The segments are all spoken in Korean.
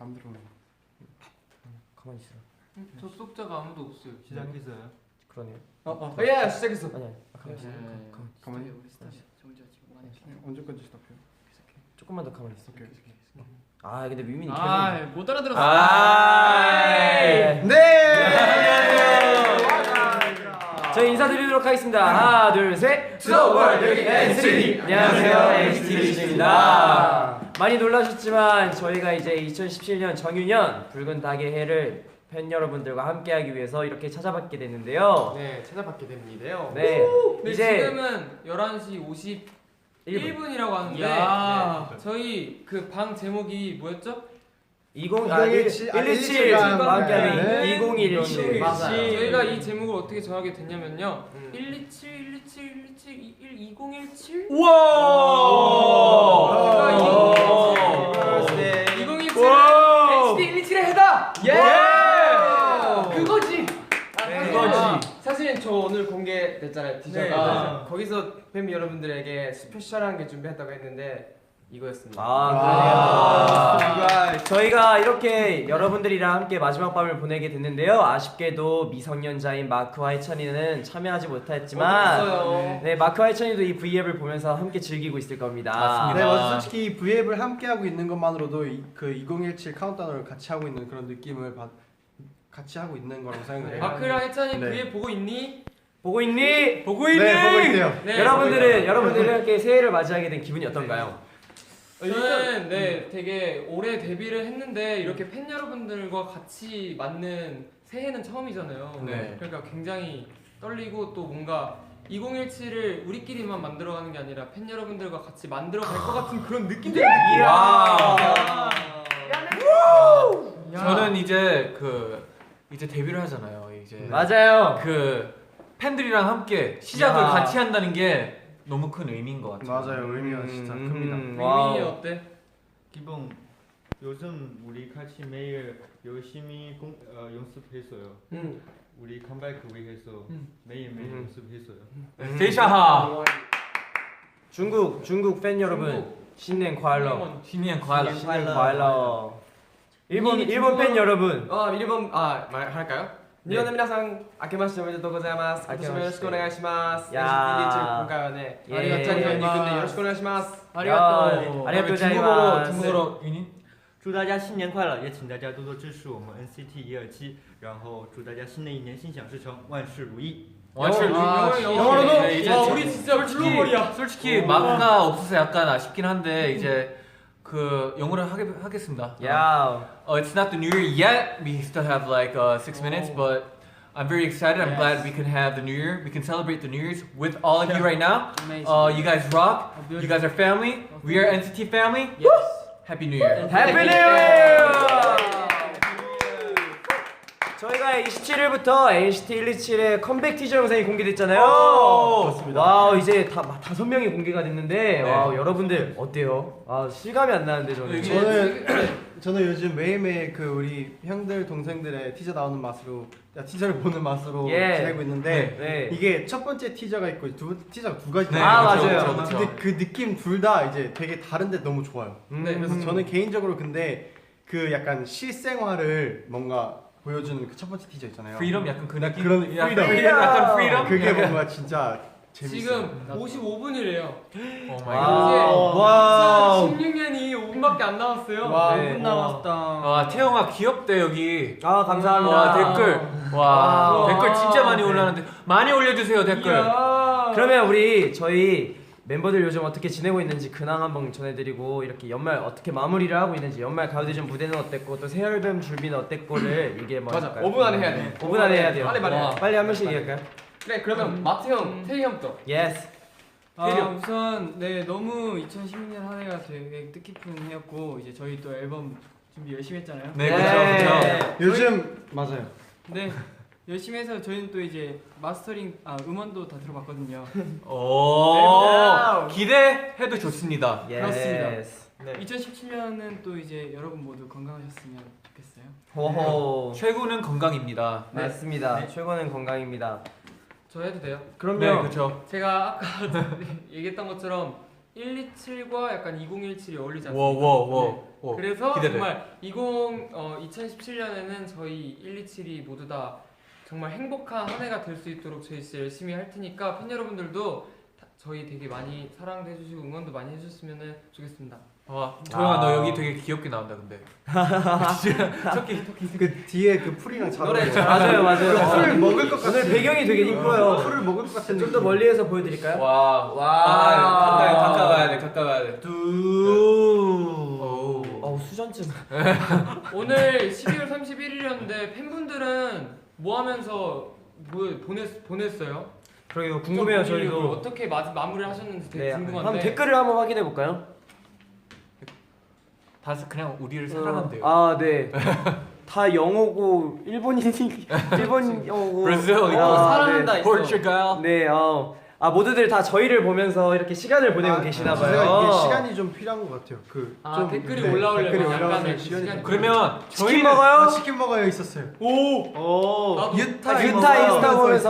마음대로. 가만히 있어. 접속자가 아무도 없어요. 시작했어요. 그러네요. 예, 시작했어. 아니야. 가만히 있어. 가만히. 우리 스타일 정자 지금 많이 언제까지 스탑해요? 조금만 더 가만히 있어. 오케이. 아 근데 미민이 계속. 못 알아들었어. 네. 저희 인사드리도록 하겠습니다. 하나, 둘, 셋. To the world, 여기 NCT. 안녕하세요, NCT입니다. 많이 놀라셨지만 저희가 이제 2017년 정유년 붉은 닭의 해를 팬 여러분들과 함께하기 위해서 이렇게 찾아뵙게 됐는데요. 네, 찾아뵙게 됩니다. 네, 근데 이제 지금은 11시 51분이라고 하는데 야. 저희 그 방 제목이 뭐였죠? 117 함께하는 2017 저희가 이 제목을 어떻게 정하게 됐냐면요. 127 127 127 2017 우와! 2017 NCT 127의 해다! 그거지! 그거지. 사실 저 오늘 공개됐잖아요 티저가. 네. 거기서 팬 여러분들에게 스페셜한 게 준비했다고 했는데 이거였습니다. 그래요. 저희가 이렇게 여러분들이랑 함께 마지막 밤을 보내게 됐는데요. 아쉽게도 미성년자인 마크와 해찬이는 참여하지 못했지만, 네, 마크와 해찬이도 이 V앱을 보면서 함께 즐기고 있을 겁니다. 맞습니다. 네, 맞아. 솔직히 이 V앱을 함께 하고 있는 것만으로도 그 2017 카운트다운을 같이 하고 있는 그런 느낌을 같이 하고 있는 거라고 생각해요. 마크랑 해찬이 네. V앱 보고 있니? 보고 있니? 보고 있니? 네, 보고 있대요. 네, 여러분들은 이렇게 새해를 맞이하게 된 기분이 어떤가요? 저는 되게 올해 데뷔를 했는데 이렇게 팬 여러분들과 같이 맞는 새해는 처음이잖아요. 네. 그러니까 굉장히 떨리고 또 뭔가 2017을 우리끼리만 만들어가는 게 아니라 팬 여러분들과 같이 만들어갈 것 같은 그런 느낌들이 저는 이제 이제 데뷔를 하잖아요. 이제 맞아요. 그 팬들이랑 함께 시작을 야. 같이 한다는 게 너무 큰 의미인 것 같아요. 맞아요. 의미가 진짜 큽니다. 민민이 어때? 기본 요즘 우리 같이 매일 열심히 연습했어요. 우리 컴백 위해서 매일매일 연습했어요. 세샤하 중국 팬 여러분, 신년 과일러. 신년 과일. 신년 과일러. 일본 팬 여러분. 일본 말할까요? 일본의皆さん 아케마시테 오메데토 고자이마스.今年もよろしくお願いします。 야. 今回はね、 예. ありがとうございます。よろしくお願いします。 아리가또 중국어로 유니? 祝大家新年快乐，也请大家多多支持我们 NCT 127，然后祝大家新的一年心想事成，万事如意。 영어로도? 네, 이제 와, 우리 진짜 글로벌이야. 솔직히 마크가 없어서 약간 아쉽긴 한데 이제 그 영어를 하겠습니다. 야. It's not the new year yet. We still have like 6 minutes, but I'm very excited. I'm glad we can have the new year. We can celebrate the New Year's with all of you right now. You guys rock. You guys are family. We are NCT family. Yes. Happy New Year. 해피 뉴 이어! 저희가 27일부터 NCT 127의 컴백 티저 영상이 공개됐잖아요. 그렇습니다. 와우, 이제 5명이 공개가 됐는데, 네. 와우, 여러분들 어때요? 아, 실감이 안 나는데 저는. 저는 요즘 매일매일 그 우리 형들 동생들의 티저 나오는 맛으로 티저를 보는 맛으로 예. 지내고 있는데 네. 이게 첫 번째 티저가 있고 티저가 두 가지 네, 아, 그쵸, 맞아요. 그쵸, 그쵸. 근데 그 느낌 둘 다 이제 되게 다른데 너무 좋아요. 네, 그래서 저는 개인적으로 근데 그 약간 실생활을 뭔가 보여주는 그 첫 번째 티저 있잖아요. Freedom 약간 그 느낌. 그런 약간 freedom. 약간 freedom. 그게 뭔가 진짜 재밌어요. 지금 55분이래요. 오 마이 갓. 와우. 2016년이 5분밖에 안 남았어요. 와, 네. 5분 남았다. 와 태영아 귀엽대 여기. 아, 감사합니다. 와 댓글. 와 와. 댓글 진짜 많이 올라왔는데 많이 올려주세요 댓글. 그러면 저희 멤버들 요즘 어떻게 지내고 있는지 근황 한번 전해드리고, 이렇게 연말 어떻게 마무리를 하고 있는지, 연말 가요대전 무대는 어땠고 또 새 앨범 준비는 어땠고를 얘기해 봐. 맞아. 5분 안에 해야 돼. 5분 안에 해야 돼요. 빨리 말해. 빨리 한 번씩 얘기할까요? 그래, 그러면 마트 형, 태희 형부터. 예스. 우선 너무 2016년 한 해가 되게 뜻깊은 해였고, 이제 저희 또 앨범 준비 열심히 했잖아요. 네 그렇죠. 요즘 맞아요. 네, 열심히 해서 저희는 또 이제 마스터링 음원도 다 들어봤거든요. 오 기대해도 좋습니다. 그렇습니다. 예스. 2017년은 또 이제 여러분 모두 건강하셨으면 좋겠어요. 호호. 최고는 건강입니다. 맞습니다. 최고는 건강입니다. 저 해도 돼요? 그럼요. 네 그렇죠. 제가 아까 얘기했던 것처럼 127과 약간 2017이 어울리지 않습니까? 워워워. 그래서 기대돼. 정말 2017년에는 저희 127이 모두 다 정말 행복한 한 해가 될 수 있도록 저희 진짜 열심히 할 테니까 팬 여러분들도 저희 되게 많이 사랑도 해주시고 응원도 많이 해주셨으면 좋겠습니다. 도영아 너 여기 되게 귀엽게 나온다 근데. 그 뒤에 그 풀이랑 잘 맞아요, 어울려요. 맞아요. 풀을 먹을 것 같은. 오늘 배경이 되게 이뻐요. 풀을 먹을 것 같은. 좀 더 멀리에서 보여드릴까요? 와. 와. 가까워야 돼. 가까워야 돼. 어우 수전증. 오늘 12월 31일이었는데 팬분들은 뭐 하면서 보냈어요? 그러게요. 궁금해요 좀 저희도. 어떻게 마무리를 하셨는지 되게 네, 궁금한데. 한번 댓글을 한번 확인해 볼까요? 다 그냥 우리를 사랑한대요. 아 네. 다 영어고 일본 영어고. 브라질 사랑한다 네. 있어. 포르투갈. 네. 모두들 다 저희를 보면서 이렇게 시간을 보내고 계시나 봐요. 제가 이게 시간이 좀 필요한 것 같아요. 좀 댓글이 올라오려면 댓글이 약간의 올라오면 시간이 시간이. 그러면 치킨 저희는 먹어요? 치킨 먹어요 있었어요. 나도 유타 인스타 보면서 있었어요.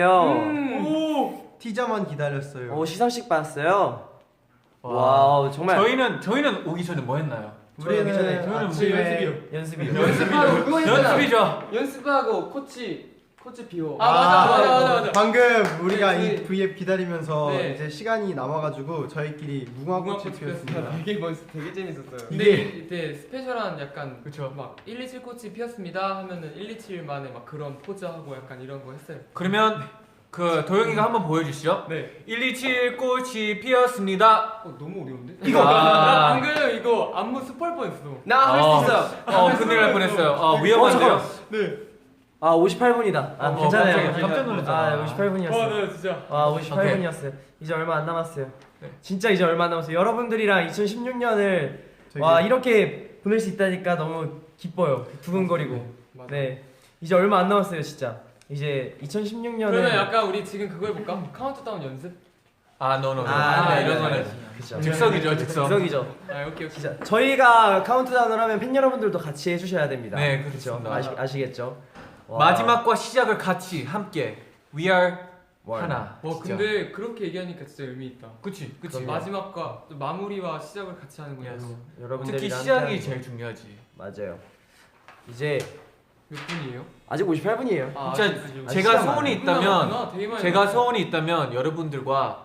보냈대요. 티저만 기다렸어요. 시상식 봤어요. 와. 와우 정말. 저희는 오기 전에 뭐 했나요? 우리는 저희는 아침에 연습이요. 연습하고 그거 했잖아. 연습이죠. 연습하고 코치 비호. 맞아. 방금 우리가 네, 이 V앱 기다리면서 네. 이제 시간이 남아가지고 저희끼리 무궁화꽃이 무궁화꽃이 피었습니다. 되게 되게 재밌었어요. 근데 이때 스페셜한 약간 그쵸. 막 127 꽃이 피었습니다 하면은 127만의 막 그런 포즈하고 약간 이런 거 했어요. 그러면 그 도영이가 한번 보여주시죠. 네. 127 꽃이 피었습니다. 너무 어려운데? 이거. 나 방금 이거 안무 스포할 뻔했어. 나 할 수 있어. 큰일 날 뻔했어요. 위험한데요. 네. 58분이다. 괜찮아요. 깜짝 놀랐잖아. 58분이었어요. 네 진짜. 58분이었어요. 이제 얼마 안 남았어요. 진짜 이제 얼마 안 남았어요. 여러분들이랑 2016년을 이렇게 보낼 수 있다니까 너무 기뻐요. 두근거리고. 맞아. 네. 이제 얼마 안 남았어요, 진짜. 이제 2016년에 그러면 약간 우리 지금 그거 해볼까? 카운트다운 연습? 노. 네, 이런 거는 그쵸. 즉석이죠, 즉석. 즉석이죠. 오케이. 진짜 저희가 카운트다운을 하면 팬 여러분들도 같이 해주셔야 됩니다. 네, 그렇죠. 그렇습니다. 아시겠죠? 와. 마지막과 시작을 같이 함께. We are 하나. 와 진짜. 근데 그렇게 얘기하니까 진짜 의미 있다. 그치. 마지막과 또 마무리와 시작을 같이 하는 거예요. 여러분들이랑 특히 시작이 함께하는 제일 거. 중요하지. 맞아요. 이제 몇 분이에요? 아직 58분이에요. 진짜 시간 제가 소원이 많아요. 있다면 제가 소원이 있다면 여러분들과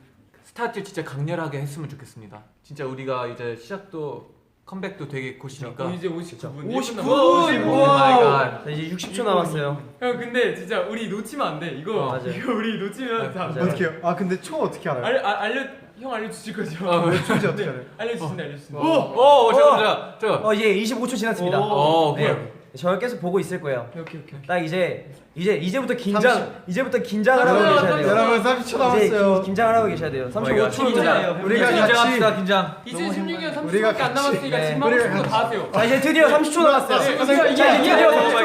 스타트 진짜 강렬하게 했으면 좋겠습니다. 진짜 우리가 이제 시작도 컴백도 되게 곧이니까. 이제 59분. 59분! 오 마이 갓. 이제 60초 남았어요. 형 근데 진짜 우리 놓치면 안 돼. 이거 맞아요. 이거 우리 놓치면 다 맞아요. 어떻게 해요? 근데 초 어떻게 알아요? 형 알려주실 거죠? 초지 어떻게 알아요? 알려주신다. 오 잠깐만. 이제 25초 지났습니다. 오케이. 네. 저 계속 보고 있을 거예요. 오케이. 딱 이제부터 긴장을 하고 맞아요, 계셔야 돼요. 여러분 30초 이제 남았어요. 긴장을 하고 계셔야 돼요. 35초입니다. 우리가 긴장합시다 긴장. 2016년 우리가 30초밖에 안 남았으니까 같이- 지금 하고 싶은 거 다 하세요. 자 이제 드디어 30초 남았어요. 네, 자 이제 드디어 30초.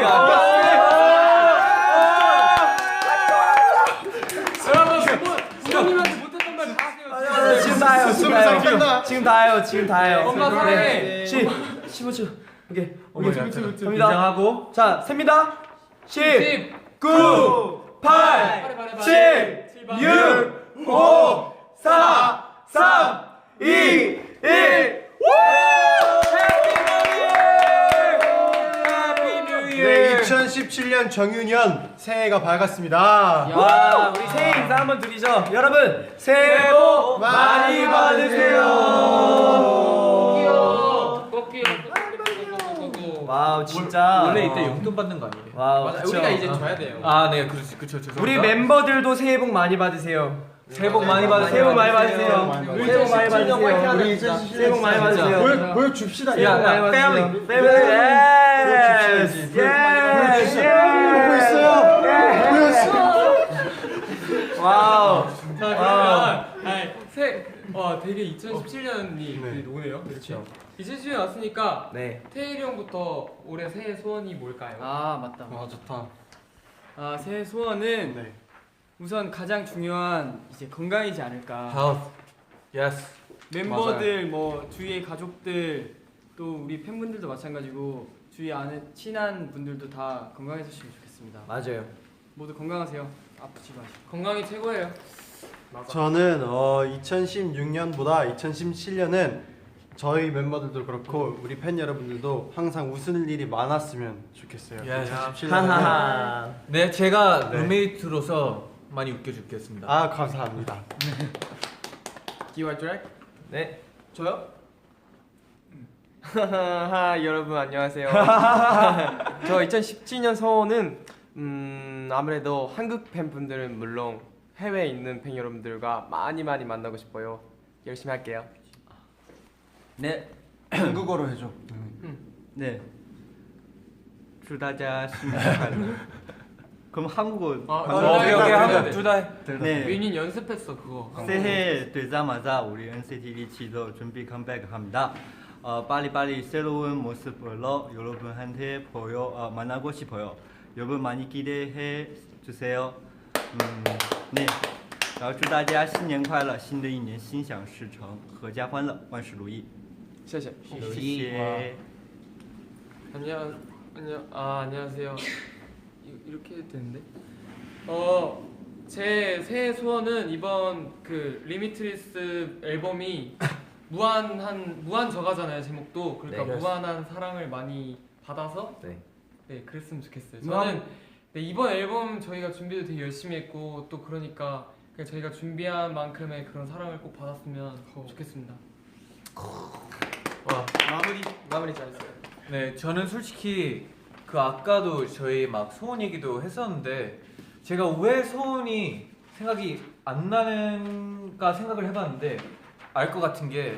여러분 부모님한테 못했던 말 다 하세요. 지금 다 해요. 지금 다 해요. 엄마 사랑해. 15초. 오케이. 갑니다. 긴장하고. 자, 셉니다. 10, 9, 8, 7, 6, 5, 4, 3, 2, 1. 네, 2017년 정유년 새해가 밝았습니다. 와, 우리 새해 인사 한번 드리죠. 여러분, 새해 복 많이 받으세요. 와우, 진짜. 원래 이때 용돈 받는 거 아니에요? 와우, 맞아, 그쵸. 우리가 이제 줘야 돼요. 네, 그쵸. 죄송합니다. 우리 멤버들도 새해 복 많이 받으세요. 새해 복 많이 받으세요. 새해 복 많이 받으세요. 새해 복 많이 받으세요. 우리 새해 복 많이 받으세요. 보여줍시다. 새해 복 많이 받으세요. 패밀리. 보고 있어요. 와우. 자 그러면 되게 2017년이 오네요. 그렇죠. 2017년 왔으니까 네. 태일이 형부터 올해 새해 소원이 뭘까요? 맞다. 좋다. 새해 소원은 네. 우선 가장 중요한 이제 건강이지 않을까. Health. Yes. 멤버들 뭐 주위의 가족들 또 우리 팬분들도 마찬가지고 주위 안에 친한 분들도 다 건강해주시면 좋겠습니다. 맞아요. 모두 건강하세요. 아프지 마시고. 건강이 최고예요. 저는 2016년보다 2017년은 저희 멤버들도 그렇고 우리 팬 여러분들도 항상 웃을 일이 많았으면 좋겠어요. 야, 2017년에. 하하하. 네, 제가 네. 룸메이트로서 많이 웃겨주겠습니다. 아 감사합니다. 기와 트랙? 네. 저요? 하하 여러분 안녕하세요. 저 2017년 소원은 아무래도 한국 팬분들은 물론 해외에 있는 팬 여러분들과 많이 만나고 싶어요. 열심히 할게요. 네, 한국어로 해줘. 네. 祝大家新年快乐. 그럼 한국어. 오케이, 오케이, 한번 둘 다. 네. 윤인 연습했어 그거. 새해 되자마자 우리 NCT 127도 준비 컴백합니다. 빨리빨리 새로운 모습으로 여러분한테 만나고 싶어요. 여러분 많이 기대해 주세요. 네. 然后祝大家新年快乐，新的一年心想事成，阖家欢乐，万事如意。 謝謝. 谢谢。 안녕하세요. 이렇게 해도 되는데? 제 새해 소원은 이번 그 리미트리스 앨범이 무한 저가잖아요 제목도. 그러니까 네. 무한한 사랑을 많이 받아서 네. 그랬으면 좋겠어요. 저는 이번 앨범 저희가 준비도 되게 열심히 했고 또 그러니까 그냥 저희가 준비한 만큼의 그런 사랑을 꼭 받았으면 좋겠습니다. 와. 마무리 잘했어요. 네, 저는 솔직히 그 아까도 저희 막 소원 얘기도 했었는데 제가 왜 소원이 생각이 안 나는가 생각을 해봤는데 알 것 같은 게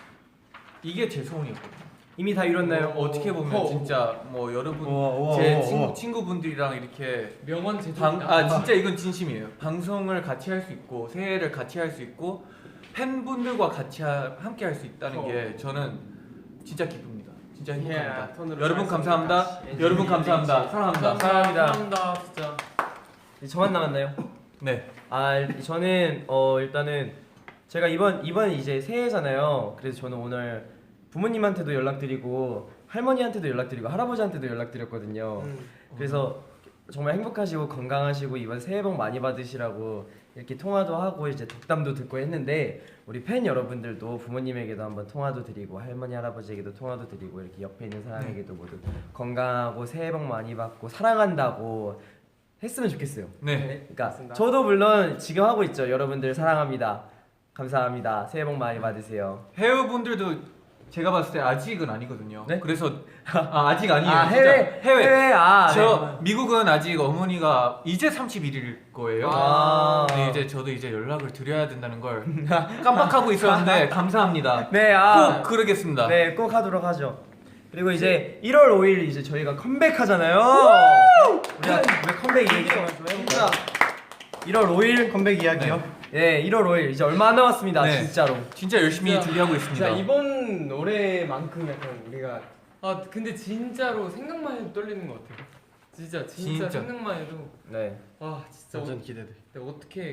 이게 제 소원이었거든요. 이미 다 이뤘나요? 어떻게 보면 진짜 뭐 여러분 우와, 제 우와. 친구분들이랑 이렇게 명언 제조입니다. 진짜 이건 진심이에요. 방송을 같이 할 수 있고 새해를 같이 할 수 있고 팬분들과 같이 함께 할 수 있다는 게 저는 진짜 기쁩니다. 진짜 행복합니다. 톤으로 여러분 잘했습니다. 감사합니다. 여러분 감사합니다. 사랑합니다. 사랑합니다 진짜. 이제 저만 남았나요? 네. 저는 일단은 제가 이번 이제 새해잖아요. 그래서 저는 오늘 부모님한테도 연락드리고 할머니한테도 연락드리고 할아버지한테도 연락드렸거든요. 그래서 정말 행복하시고 건강하시고 이번 새해 복 많이 받으시라고 이렇게 통화도 하고 이제 덕담도 듣고 했는데 우리 팬 여러분들도 부모님에게도 한번 통화도 드리고 할머니 할아버지에게도 통화도 드리고 이렇게 옆에 있는 사람에게도 모두 건강하고 새해 복 많이 받고 사랑한다고 했으면 좋겠어요. 네. 그러니까 맞습니다. 저도 물론 지금 하고 있죠. 여러분들 사랑합니다. 감사합니다. 새해 복 많이 받으세요. 해외분들도 제가 봤을 때 아직은 아니거든요. 네? 그래서 아직 아니에요. 아, 진짜. 해외. 저 미국은 아직 어머니가 이제 31일일 거예요. 아. 네, 이제 저도 이제 연락을 드려야 된다는 걸 깜빡하고 있었는데 감사합니다. 네, 꼭 그러겠습니다. 네, 꼭 하도록 하죠. 그리고 이제 1월 5일 이제 저희가 컴백하잖아요. 우리가 왜 컴백 얘기 좀 해볼까? 1월 5일 컴백 이야기요. 네, 1월 5일 이제 얼마 안 남았습니다. 네. 진짜로. 진짜 열심히 진짜- 준비하고 있습니다. 자 이번 노래만큼 약간 우리가 근데 진짜로 생각만 해도 떨리는 것 같아요. 진짜 진짜. 생각만 해도 네. 와 진짜 완전 기대돼. 어떻게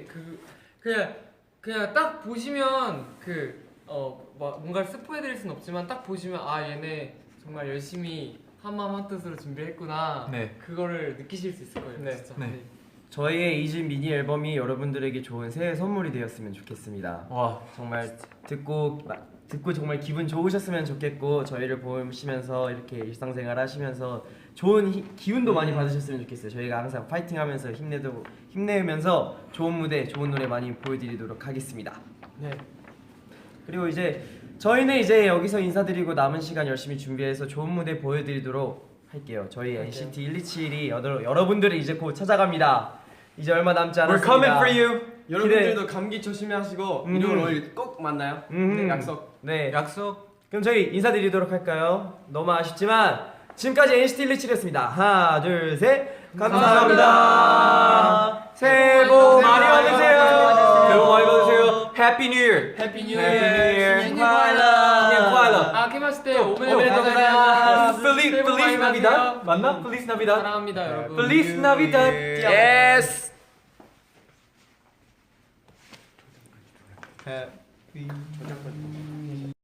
그냥 딱 보시면 뭔가를 스포해드릴 순 없지만 딱 보시면 얘네 정말 열심히 한마음 한뜻으로 준비했구나. 네. 그거를 느끼실 수 있을 거예요. 네. 진짜. 네. 저희의 2집 미니 앨범이 여러분들에게 좋은 새해 선물이 되었으면 좋겠습니다. 와. 정말 듣고 정말 기분 좋으셨으면 좋겠고 저희를 보시면서 이렇게 일상생활 하시면서 좋은 기운도 많이 받으셨으면 좋겠어요. 저희가 항상 파이팅하면서 힘내면서 좋은 무대, 좋은 노래 많이 보여드리도록 하겠습니다. 네. 그리고 이제 저희는 이제 여기서 인사드리고 남은 시간 열심히 준비해서 좋은 무대 보여드리도록 할게요. 저희 NCT 127이 여러분들을 이제 곧 찾아갑니다. 이제 얼마 남지 We're 않았습니다. coming for you. 여러분들도 감기 조심하시고 1월 5일 꼭 만나요. 네, 약속. 네. 약속. 그럼 저희 인사드리도록 할까요? 너무 아쉽지만 지금까지 NCT 127이었습니다. 하나, 둘, 셋. 감사합니다. 새해 복 많이 받으세요. 새해 복 많이 받으세요. Happy New Year. 해피 뉴 Happy New Year. 신년 신년快乐. 케마시테 오메데 오메데 도자마스. 새해 복 많이 Feliz Navidad. 받으세요. 맞나? Feliz Navidad. 사랑합니다 여러분. Feliz Navidad. 예스. 해피